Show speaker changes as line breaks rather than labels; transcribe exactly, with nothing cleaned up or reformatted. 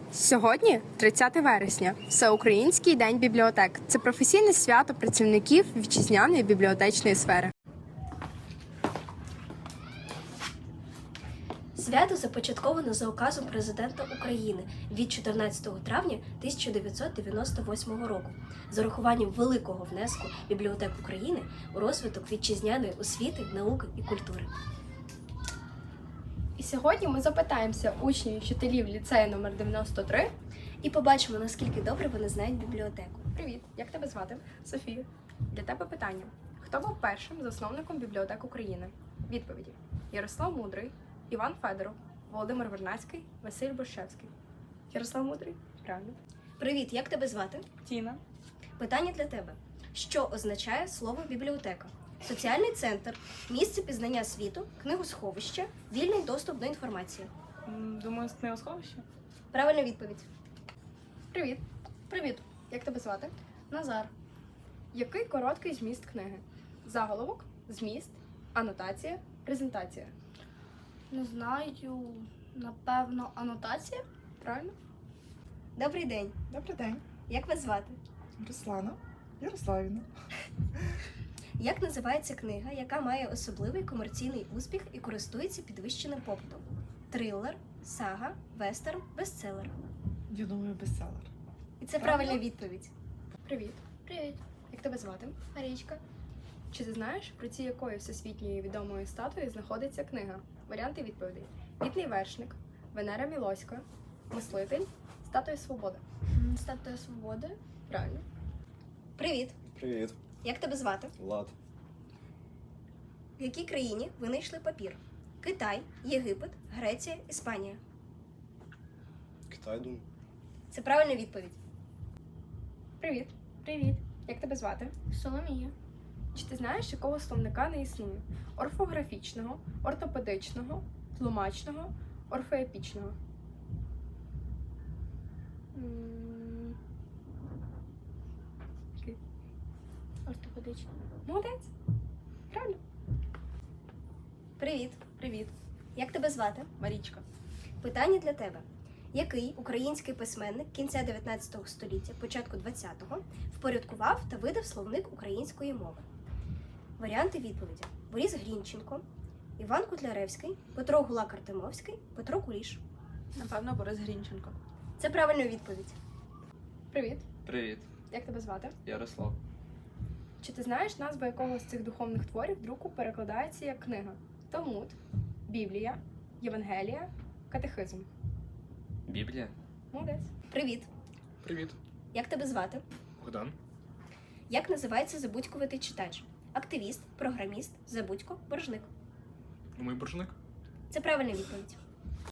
Сьогодні тридцяте вересня, Всеукраїнський день бібліотек. Це професійне свято працівників вітчизняної бібліотечної сфери.
Свято започатковано за указом Президента України від чотирнадцятого травня тисяча дев'ятсот дев'яносто восьмого року з урахуванням великого внеску бібліотек України у розвиток вітчизняної освіти, науки і культури.
І сьогодні ми запитаємося учнів і вчителів ліцею номер дев'яносто три.
І побачимо, наскільки добре вони знають бібліотеку.
Привіт, як тебе звати? Софія. Для тебе питання. Хто був першим засновником бібліотек України? Відповіді. Ярослав Мудрий, Іван Федоров, Володимир Вернадський, Василь Борщевський. Ярослав Мудрий? Правильно.
Привіт, як тебе звати?
Тіна.
Питання для тебе. Що означає слово бібліотека? Соціальний центр, місце пізнання світу, книгосховище, вільний доступ до інформації.
Думаю, з книгосховища.
Правильна відповідь.
Привіт.
Привіт.
Як тебе звати?
Назар.
Який короткий зміст книги? Заголовок, зміст, анотація, презентація.
Не знаю, напевно, анотація?
Правильно?
Добрий день.
Добрий день,
Як вас звати?
Руслана Ярославівна.
Як називається книга, яка має особливий комерційний успіх і користується підвищеним попитом? Трилер, сага, вестерн, бестселер.
Я думаю, бестселер.
І це правильна відповідь.
Привіт.
Привіт.
Як тебе звати?
Марічка.
Чи ти знаєш, при цій якої всесвітньої відомої статуї знаходиться книга? Варіанти відповідей. Вітний вершник, Венера Мілоська, Мислитель, Статуя Свободи.
Статуя свободи.
Правильно.
Привіт.
Привіт,
Як тебе звати?
Влад.
В якій країні винайшли папір? Китай, Єгипет, Греція, Іспанія.
Китай, думаю.
Це правильна відповідь.
Привіт.
Привіт.
Як тебе звати?
Соломія.
Чи ти знаєш, якого словника не існує? Орфографічного, ортопедичного, тлумачного, орфоепічного. М, який?
Ортопедична.
Молодець. Правильно.
Привіт.
Привіт.
Як тебе звати?
Марічка.
Питання для тебе. Який український письменник кінця дев'ятнадцятого століття, початку двадцятого впорядкував та видав словник української мови? Варіанти відповіді. Борис Грінченко, Іван Котляревський, Петро Гулак-Артемовський, Петро Куліш.
Напевно, Борис Грінченко.
Це правильна відповідь.
Привіт.
Привіт,
Як тебе звати?
Ярослав.
Чи ти знаєш, назва якого з цих духовних творів друку перекладається як книга? Талмуд, Біблія, Євангелія, Катехизм.
Біблія.
Молодець.
Привіт.
Привіт.
Як тебе звати?
Богдан.
Як називається забудькуватий читач? Активіст, програміст, забудько, боржник.
Думаю, боржник.
Це правильна відповідь.